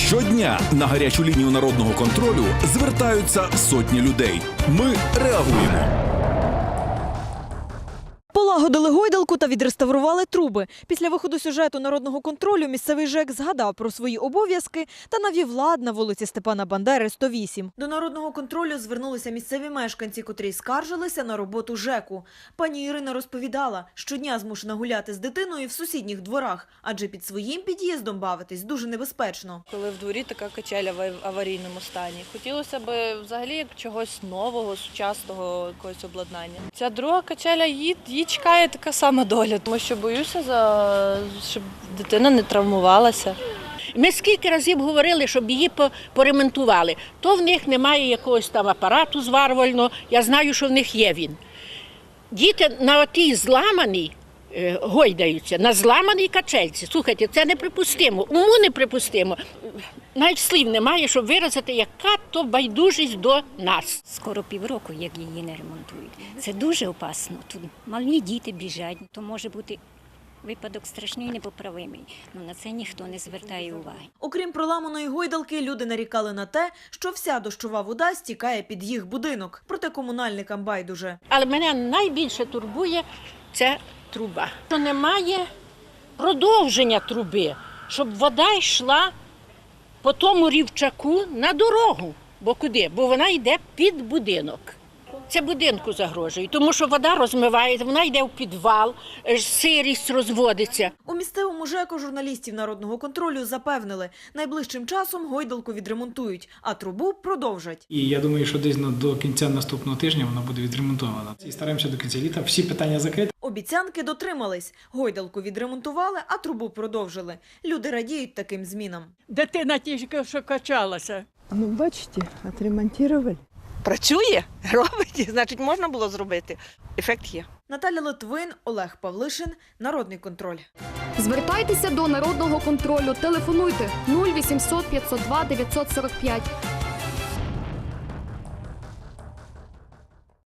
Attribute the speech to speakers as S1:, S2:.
S1: Щодня на гарячу лінію народного контролю звертаються сотні людей. Ми реагуємо.
S2: Полагодили гойдалку та відреставрували труби. Після виходу сюжету народного контролю місцевий ЖЕК згадав про свої обов'язки та навів лад на вулиці Степана Бандери, 108. До народного контролю звернулися місцеві мешканці, котрі скаржилися на роботу ЖЕКу. Пані Ірина розповідала, щодня змушена гуляти з дитиною в сусідніх дворах, адже під своїм під'їздом бавитись дуже небезпечно.
S3: Коли в дворі така качеля в аварійному стані. Хотілося б взагалі як чогось нового, сучасного якогось обладнання. Ця друга качеля, її чекає така сама доля, тому що боюся, щоб дитина не травмувалася.
S4: Ми скільки разів говорили, щоб її поремонтували. То в них немає якогось там апарату зварювального, я знаю, що в них є він. Діти на отій зламаній гойдаються, на зламаній качельці. Слухайте, це неприпустимо, уму неприпустимо. Навіть слів немає, щоб виразити, яка то байдужість до нас.
S5: Скоро півроку, як її не ремонтують. Це дуже опасно. Тут малі діти біжать, то може бути випадок страшний і непоправимий. На це ніхто не звертає уваги.
S2: Окрім проламаної гойдалки, люди нарікали на те, що вся дощова вода стікає під їх будинок. Проте комунальникам байдуже.
S4: Але мене найбільше турбує це труба. Що немає продовження труби, щоб вода йшла по тому рівчаку на дорогу. Бо куди? Бо вона йде під будинок. Це будинку загрожує, тому що вода розмивається, вона йде в підвал, сирість розводиться.
S2: У місцевому ЖЕКу журналістів народного контролю запевнили, найближчим часом гойдалку відремонтують, а трубу продовжать.
S6: І я думаю, що десь до кінця наступного тижня вона буде відремонтована. І стараємося до кінця літа всі питання закрити.
S2: Обіцянки дотримались. Гойдалку відремонтували, а трубу продовжили. Люди радіють таким змінам.
S7: Дитина тільки що качалася.
S8: Ну, бачите, отремонтували.
S9: Працює, робить, значить можна було зробити. Ефект є.
S2: Наталя Литвин, Олег Павлишин, Народний контроль.
S10: Звертайтеся до Народного контролю. Телефонуйте 0800 502 945.